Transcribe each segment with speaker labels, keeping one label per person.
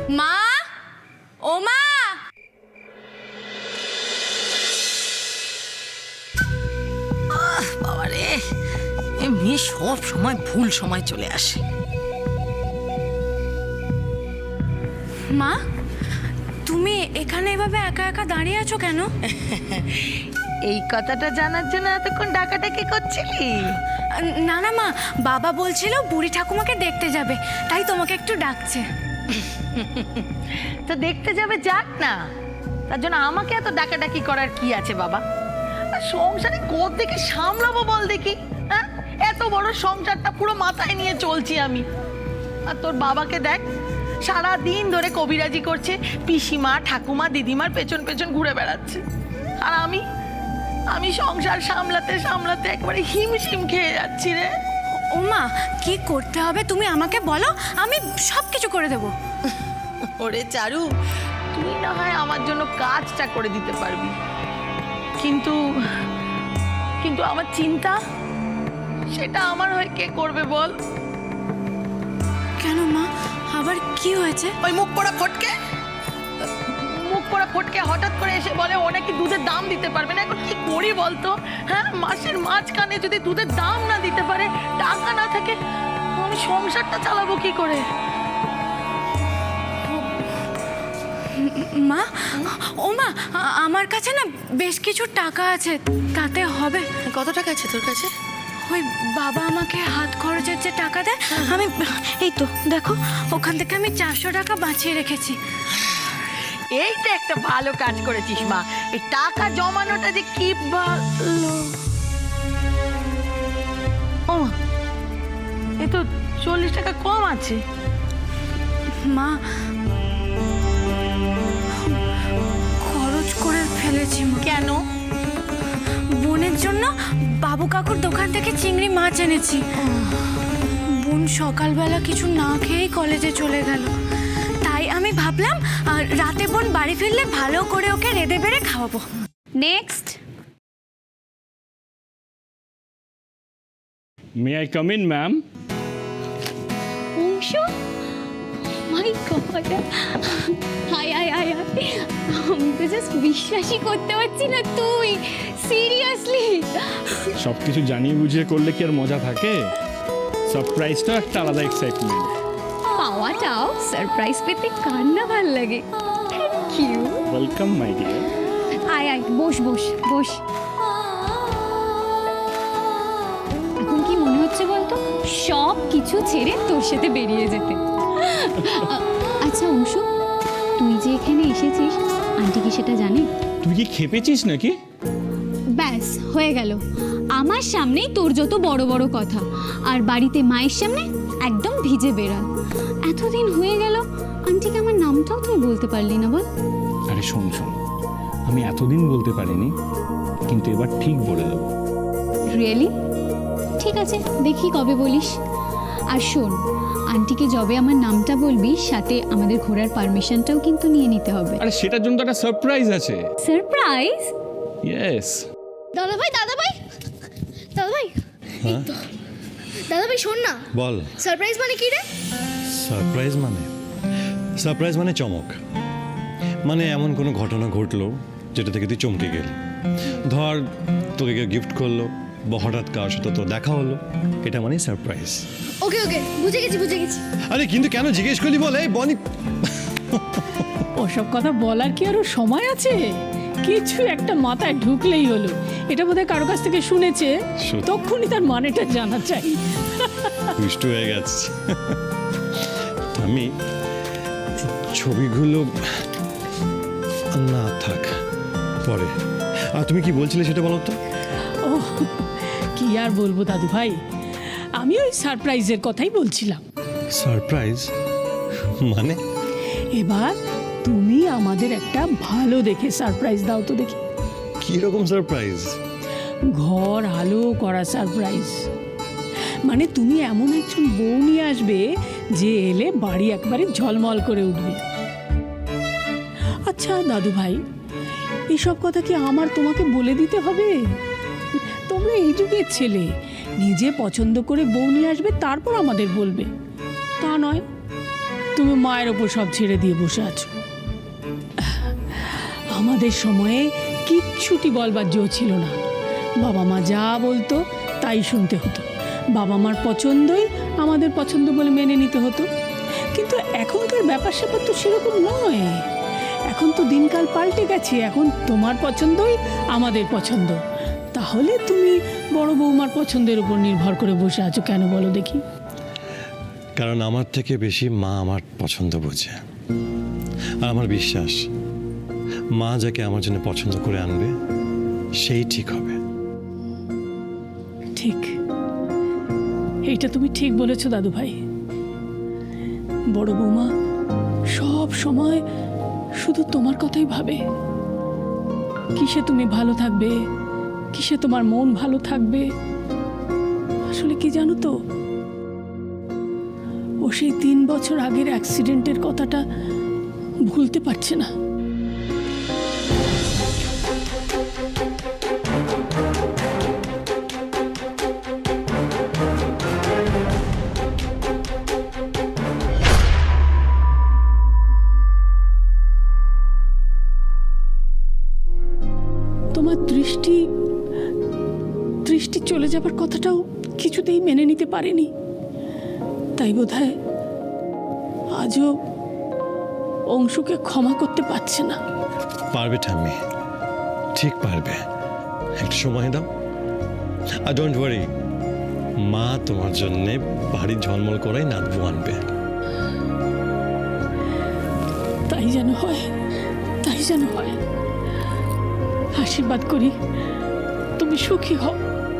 Speaker 1: মা, ও মা,
Speaker 2: বাবারে, এই মেয়ে সব সময় ভুল সময় চলে আসে।
Speaker 1: মা, তুমি এখানে এভাবে একা একা দাঁড়িয়ে আছো কেন?
Speaker 2: এই কথাটা জানার জন্য এতক্ষণ ডাকাডাকি করছিলি?
Speaker 1: না না মা, বাবা বলছিল বুড়ি ঠাকুমাকে দেখতে যাবে, তাই তোমাকে একটু ডাকছে।
Speaker 2: তো দেখতে যাবে, যাক না, তার জন্য আমাকে এত ডাকাডাকি করার কি আছে বাবা? আর সংসারে কোত্থেকে সামলাবো বল দেখি? হ্যাঁ, এত বড় সংসারটা পুরো মাথায় নিয়ে চলছি আমি। আর তোর বাবাকে দেখ, সারা দিন ধরে কবিরাজি করছে, পিসিমা ঠাকুমা দিদিমার পেছন পেছন ঘুরে বেড়াচ্ছে। আর আমি সংসার সামলাতে সামলাতে একবারে হিমশিম খেয়ে যাচ্ছি রে।
Speaker 1: ও মা, কি করতে হবে তুমি আমাকে বলো, আমি সব কিছু করে দেবো।
Speaker 2: ওরে চারু, তুই না হয় আমার জন্য কাজটা করে দিতে পারবি, কিন্তু কিন্তু আমার চিন্তা, সেটা আমার হয়ে কে করবে বল?
Speaker 1: কেন মা, আবার কি হয়েছে?
Speaker 2: ওই মুখ পোড়া ফটকে হঠাৎ করে এসে বলে ও নাকি দুধের দাম দিতে পারবে না। এখন কি করি বলতো? হ্যাঁ, মাসের মাঝখানে যদি দুধের দাম না দিতে পারে, টাকা না থাকে, আমি সংসারটা চালাবো কি করে?
Speaker 1: মা, ও মা, আমার কাছে না বেশ কিছু টাকা আছে, তাতে হবে।
Speaker 2: কত টাকা আছে তোর কাছে?
Speaker 1: ওই বাবা আমাকে হাত খরচের যে টাকা দেয়, আমি এই তো দেখো, ওখান থেকে আমি 400 টাকা বাঁচিয়ে রেখেছি।
Speaker 2: এইটা একটা ভালো কাজ করেছিস মা। এই টাকা জমানোটা যে কি ভালো। ও মা, এই তো 40 টাকা কম আছে।
Speaker 1: মা, খরচ করে ফেলেছি।
Speaker 2: কেন?
Speaker 1: বোনের জন্য বাবু কাকুর দোকান থেকে চিংড়ি মাছ এনেছি। বোন সকালবেলা কিছু না খেয়েই কলেজে চলে গেল, তাই আমি ভাবলাম রাতে বোন বাড়ি ফিরলে ভালো করে ওকে রেঁধে বেড়ে খাওয়াবো।
Speaker 3: Next.
Speaker 4: May I come in, ma'am?
Speaker 3: Anshu, my god, hi hi hi hi, আমি তো জাস্ট বিশ্বাসই করতে পারছি না, তুই সিরিয়াসলি?
Speaker 4: সব কিছু জানিয়ে বুঝিয়ে করলে কি আর মজা থাকে? সারপ্রাইজটা একটা আলাদা এক্সাইটমেন্ট।
Speaker 3: পাওয়াটাও সারপ্রাইজ পেতে কার না ভাল লাগে। Thank you.
Speaker 4: Welcome my dear.
Speaker 3: আয় আয়, বস বস বস। এখন কি মনে হচ্ছে বলতো, সব কিছু ছেড়ে তোর সাথে বেরিয়ে যেতে? আচ্ছা অংশু, তুই যে এখানে এসেছিস, আন্টি কি সেটা জানে?
Speaker 4: তুই কি খেপেছিস নাকি?
Speaker 3: ব্যাস হয়ে গেল, আমার সামনেই তোর যত বড় বড় কথা, আর বাড়িতে মায়ের সামনে একদম ভিজে বেড়াল। এতদিন হয়ে গেল, আন্টিকে আমার নামটাও তুই বলতে পারলি না, বল?
Speaker 4: আরে শোন, আমি এতদিন বলতে পারিনি, কিন্তু এবার ঠিক বলে দেবো।
Speaker 3: রিয়েলি? ঠিক আছে, দেখি কবে বলিস। আর শোন, আন্টিকে যবে আমার নামটা বলবি, সাথে আমাদের ঘোরার পারমিশনটাও কিন্তু নিয়ে নিতে হবে।
Speaker 4: আরে সেটার জন্য তো একটা সারপ্রাইজ আছে।
Speaker 3: সারপ্রাইজ?
Speaker 4: ইয়েস।
Speaker 5: দাদাভাই দাদাভাই দাদাভাই,
Speaker 6: হ্যাঁ
Speaker 5: দাদাভাই শোন না।
Speaker 6: বল।
Speaker 5: সারপ্রাইজ মানে কি রে?
Speaker 6: সারপ্রাইজ মানে চমক, মানে এমন কোনো ঘটনা ঘটলো যেটা থেকে তুই চমকে গেলি। ধর তোকে কেউ গিফট করলো বা হঠাৎ কার সাথে তো দেখা হলো, এটা মানে সারপ্রাইজ।
Speaker 5: ওকে ওকে, বুঝে গেছি।
Speaker 6: আরে কিন্তু কেন জিজ্ঞেস করলি বল? এই বনি,
Speaker 7: ওসব কথা বলার কি আরো সময় আছে? কিছু একটা মাথায় ঢুকলেই হলো। এটা বোধহয় কারো কাছ থেকে শুনেছে, তখনই তার মানেটা জানা চাই।
Speaker 6: দুষ্ট হয়ে গেছে। আমি ছবিগুলো না থাক পরে। আর তুমি কি বলছিলে সেটা বলো তো?
Speaker 7: ও কি আর বলবো দাদু ভাই, আমি ওই সারপ্রাইজের কথাই বলছিলাম।
Speaker 6: সারপ্রাইজ মানে?
Speaker 7: এবার তুমি আমাদের একটা ভালো দেখে সারপ্রাইজ দাও তো দেখি।
Speaker 6: কি রকম সারপ্রাইজ?
Speaker 7: ঘর আলো করা সারপ্রাইজ। মানে তুমি এমন একজন বউ নিয়ে আসবে যে এলে বাড়ি একবারে ঝলমল করে উঠবে। আচ্ছা দাদু ভাই, এইসব কথা কি আমার তোমাকে বলে দিতে হবে? তোমরা এই যুগের ছেলে, নিজে পছন্দ করে বউ নিয়ে আসবে, তারপর আমাদের বলবে, তা নয়। তুমি মায়ের ওপর সব ছেড়ে দিয়ে বসে আছো। আমাদের সময়ে কিচ্ছুটি বলবার জো ছিল না। বাবা মা যা বলতো তাই শুনতে হতো। বাবা মার পছন্দই আমাদের পছন্দ বলে মেনে নিতে হতো। কিন্তু এখনকার ব্যাপার স্যাপার তো সেরকম নয়। এখন তো দিনকাল পাল্টে গেছে। এখন তোমার পছন্দই আমাদের পছন্দ। তাহলে তুমি বড় বৌমার পছন্দের উপর নির্ভর করে বসে আছো কেন বলো দেখি?
Speaker 6: কারণ আমার থেকে বেশি মা আমার পছন্দ বোঝে। আর আমার বিশ্বাস মা যাকে আমার জন্য পছন্দ করে আনবে সেই ঠিক হবে।
Speaker 7: ঠিক, এইটা তুমি ঠিক বলেছো দাদু ভাই। বড় বৌমা সব সময় শুধু তোমার কথাই ভাবে। কিসে তুমি ভালো থাকবে, কিসে তোমার মন ভালো থাকবে। আসলে কি জানো তো, ও সেই 3 বছর আগের অ্যাক্সিডেন্টের কথাটা ভুলতে পারছে না। তোমার দৃষ্টি চলে যাবার কথাটাও কিছুতেই মেনে নিতে পারেনি। তাই বোধহয় আজও অংশুকে ক্ষমা করতে পারছে না।
Speaker 6: পারবে ঠাম্মি, ঠিক পারবে। একটু সময় দাও। আর ডোন্ট ওয়ারি, মা তোমার জন্যে বাড়ি ঝলমল করাই নাতবু আনবে।
Speaker 7: তাই যেন হয়, তাই যেন হয়। আশীর্বাদ করি তুমি সুখী হও।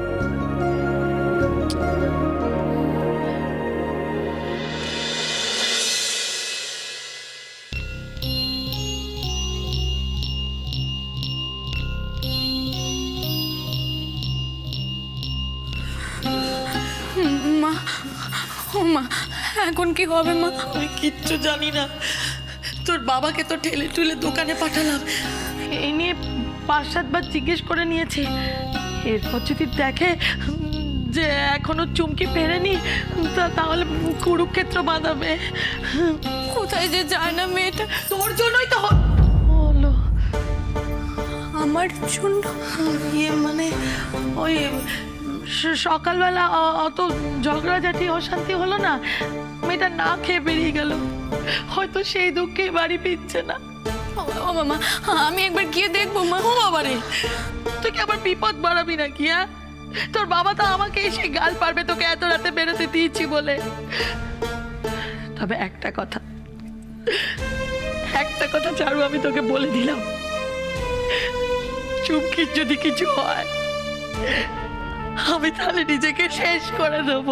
Speaker 1: মা, ও মা, এখন কি হবে মা?
Speaker 2: আমি কিচ্ছু জানি না। তোর বাবাকে তো ঠেলে ঠুলে দোকানে পাঠালাম। এই নিয়ে 5-7 বার জিজ্ঞেস করে নিয়েছে। এরপর যদি দেখে যে এখনো চুমকি ফেরেনি তাহলে কুরুক্ষেত্র বাঁধাবে।
Speaker 1: কোথায় যে যায় না মেয়েটা।
Speaker 2: তোর জন্যই তো হলো।
Speaker 1: আমার জন্য?
Speaker 2: ইয়ে মানে ওই সকালবেলা অত ঝগড়াঝাটি অশান্তি হলো না, মেয়েটা না খেয়ে বেরিয়ে গেল। হয়তো সেই দুঃখে বাড়ি ফিরছে না।
Speaker 1: ও মামা, আমি একবার গিয়ে দেখবো মা।
Speaker 2: ও বাবারে, তুই কি আবার বিপদ বাড়াবি নাকি? হ্যাঁ, তোর বাবা তো আমাকে এসে গাল পারবে তোকে এত রাতে বেরোতে দিয়েছি বলে। তবে একটা কথা চারু, আমি তোকে বলে দিলাম, চুমকির যদি কিছু হয় আমি তাহলে নিজেকে শেষ করে দেবো।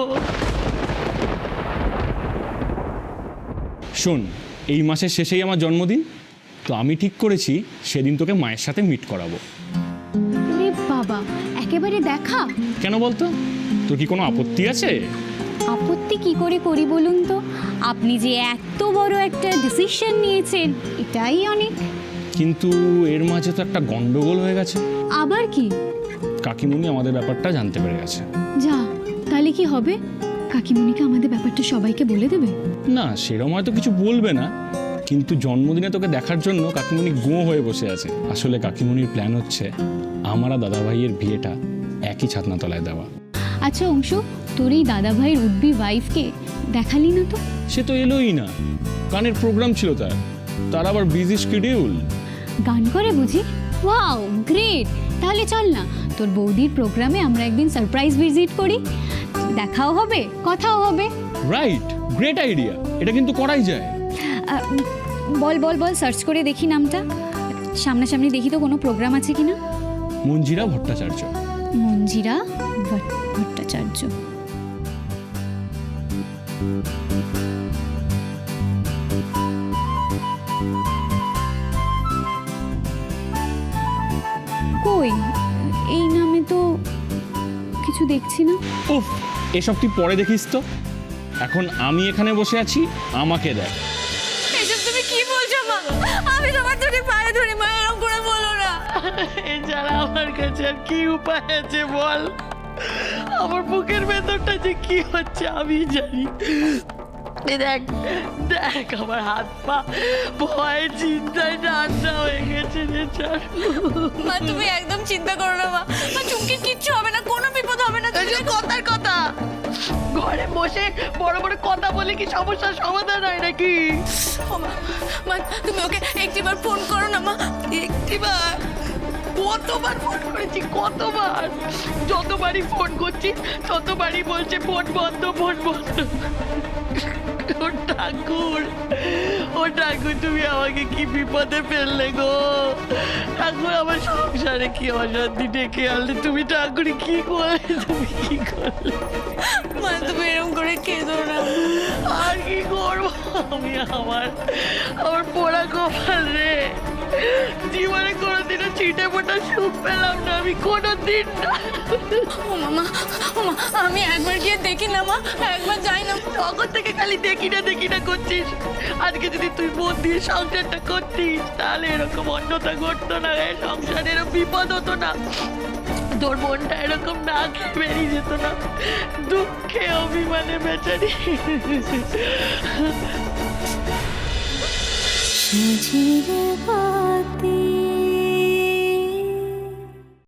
Speaker 4: শোন, এই মাসের শেষেই আমার জন্মদিন, তো আমি ঠিক করেছি সেদিন তোকে মায়ের সাথে মিট করাবো।
Speaker 3: রে বাবা, একেবারে দেখা।
Speaker 4: কেন বলতো, তোর কি কোনো আপত্তি আছে?
Speaker 3: আপত্তি কি করে করি বলুন তো? আপনি যে এত বড় একটা ডিসিশন নিয়েছেন, এটাই অনেক।
Speaker 4: কিন্তু এর মাঝে তো একটা গন্ডগোল হয়ে গেছে।
Speaker 3: আবার কি?
Speaker 4: কাকিমুনি আমাদের ব্যাপারটা জানতে পেরে গেছে।
Speaker 3: যা, তাহলে কি হবে? কাকিমুনিকে আমাদের ব্যাপারটা সবাইকে বলে দেবে?
Speaker 4: না, সেরকম হয়তো কিছু বলবে না, কিন্তু জন্মদিনে তোকে দেখার জন্য কাকিমুনি গো হয়ে বসে আছে। আসলে কাকিমুনির প্ল্যান হচ্ছে আমার আর দাদা ভাইয়ের বিয়েটা একই ছাতনাতলায় দেওয়া।
Speaker 3: আচ্ছা অংশু, তোর এই দাদা ভাইয়ের উডবি ওয়াইফকে দেখালি না তো?
Speaker 4: সে তো এলোই না, গানের প্রোগ্রাম ছিল তার আবার বিজি শিডিউল।
Speaker 3: গান করে বুঝি? Wow, great! তাহলে চল না, তোর বৌদির প্রোগ্রামে আমরা একদিন সারপ্রাইজ ভিজিট করি। দেখাও হবে, কথাও হবে।
Speaker 4: রাইট, গ্রেট আইডিয়া, এটা কিন্তু করাই যায়।
Speaker 3: বল বল বল, সার্চ করে দেখি নামটা। সামনাসামনি দেখি তো কোনো প্রোগ্রাম আছে কিনা।
Speaker 4: মঞ্জিরা ভট্টাচার্য।
Speaker 3: মঞ্জিরা ভট্টাচার্য। কই, এই নামে তো কিছু দেখছি না।
Speaker 4: উফ, এসব তুই পরে দেখিস তো, এখন আমি এখানে বসে আছি, আমাকে দেখ।
Speaker 1: এসব তুমি কি বলছো মা? আমি তোমার দুটি পায়ে ধরে মা, এরকম করে বলো না।
Speaker 2: এছাড়া আমার কাছে আর কি উপায় আছে বল? আমার বুকের ভেতরটা যে কি হচ্ছে আমি জানি। এই দেখ দেখ আমার হাত পা ভয়ে চিন্তায় ঠান্ডা হয়ে গেছে রে চারু।
Speaker 1: মা তুমি একদম চিন্তা করো না মা। মা চুমকির কিচ্ছু হবে না, কোনো বিপদ হবে না।
Speaker 2: এই যে কথার কথা, ঘরে বসে বড় বড় কথা বলে কি সমস্যার সমাধান হয় নাকি?
Speaker 1: ও মা, মা তুমি ওকে একটিবার ফোন করো না মা।
Speaker 2: একটিবার? কতবার ফোন করেছি, কতবার? যতবারই ফোন করছি ততবারই বলছে ফোন বন্ধ, ফোন বন্ধ। ও ঠাকুর, ও ঠাকুর, তুমি আমাকে কি বিপদে ফেললে গো ঠাকুর? আমার সংসারে কি অশান্তি ডেকে আনলে তুমি ঠাকুর? কি করলে তুমি, কি করলে?
Speaker 1: মা তুমি এরকম করে কেঁদো না।
Speaker 2: আর কি করবো আমি? আমার পোড়া কপাল রে। জীবনে কোনোদিনও ছিটে ফোটা সুখ পেলাম না আমি, কোনোদিন না।
Speaker 1: ও মামা, ও মা, আমি একবার গিয়ে দেখি না মা, একবার যাই না।
Speaker 2: তখন থেকে খালি দেখি না করছিস। আজকে যদি তুই মন দিয়ে সংসারটা করতিস তাহলে এরকম অন্যতা ঘটতো না রে, সংসারেরও বিপদ হতো না, তোর মনটা এরকম না খেয়ে বেরিয়ে যেত না, দুঃখে অভিমানে বেচারি।
Speaker 8: সাজিরে বাতি